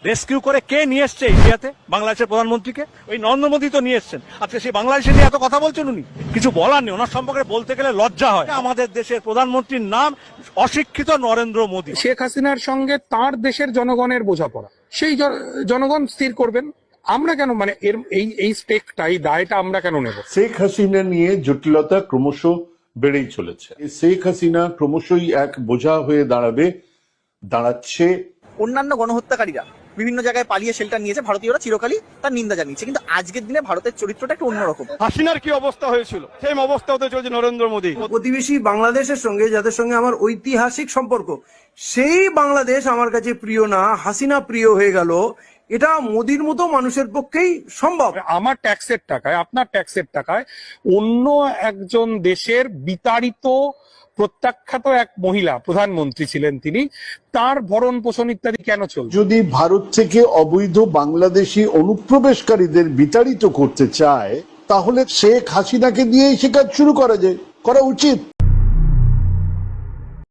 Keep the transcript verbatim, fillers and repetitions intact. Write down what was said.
Rescue করে কে নিয়ে এসছে ইন্ডিয়াতে বাংলাদেশের প্রধানমন্ত্রীকে? ওই নরেন্দ্র মোদী তো নিয়ে এসছেন। আজকে সেই বাংলাদেশে নিয়ে এত কথা বলছেন উনি, কিছু বলার নেই। ওনার সম্পর্কে বলতে গেলে লজ্জা হয়। আমাদের দেশের প্রধানমন্ত্রীর নাম অশিক্ষিত নরেন্দ্র মোদী। শেখ হাসিনার সঙ্গে তার দেশের জনগণের বোঝাপড়া, সেই জনগণ স্থির করবেন। আমরা কেন মানে এর এই এই স্টেকটা, এই দায়টা আমরা কেন নেব? শেখ হাসিনা নিয়ে জটিলতা ক্রমশ বেড়েই চলেছে। শেখ হাসিনা ক্রমশই এক বোঝা হয়ে দাঁড়াবে, দাঁড়াচ্ছে। অন্যান্য গণহত্যাকারীরা বিভিন্ন জায়গায় পালিয়ে শেল্টার নিয়েছে, ভারতীয়রা চিরকালই তার নিন্দা জানিয়েছে, কিন্তু আজকের দিনে ভারতের চরিত্রটা একটু অন্যরকম। হাসিনার কি অবস্থা হয়েছিল, সেম অবস্থা হতে চলছে নরেন্দ্র মোদী। প্রতিবেশী বাংলাদেশের সঙ্গে, যাদের সঙ্গে আমার ঐতিহাসিক সম্পর্ক, সেই বাংলাদেশ আমার কাছে প্রিয় না, হাসিনা প্রিয় হয়ে গেল। এটা মোদির মতো মানুষের পক্ষেই সম্ভব। আমার ট্যাক্সের টাকায়, আপনার ট্যাক্সের টাকায় অন্য একজন দেশের বিতাড়িত প্রত্যাখ্যাত এক মহিলা প্রধানমন্ত্রী ছিলেন, তিনি, তার ভরণ পোষণ ইত্যাদি কেন চলবে? যদি ভারত থেকে অবৈধ বাংলাদেশি অনুপ্রবেশকারীদের বিতাড়িত করতে চায়, তাহলে শেখ হাসিনাকে দিয়েই সে কাজ শুরু করা যায়, করা উচিত।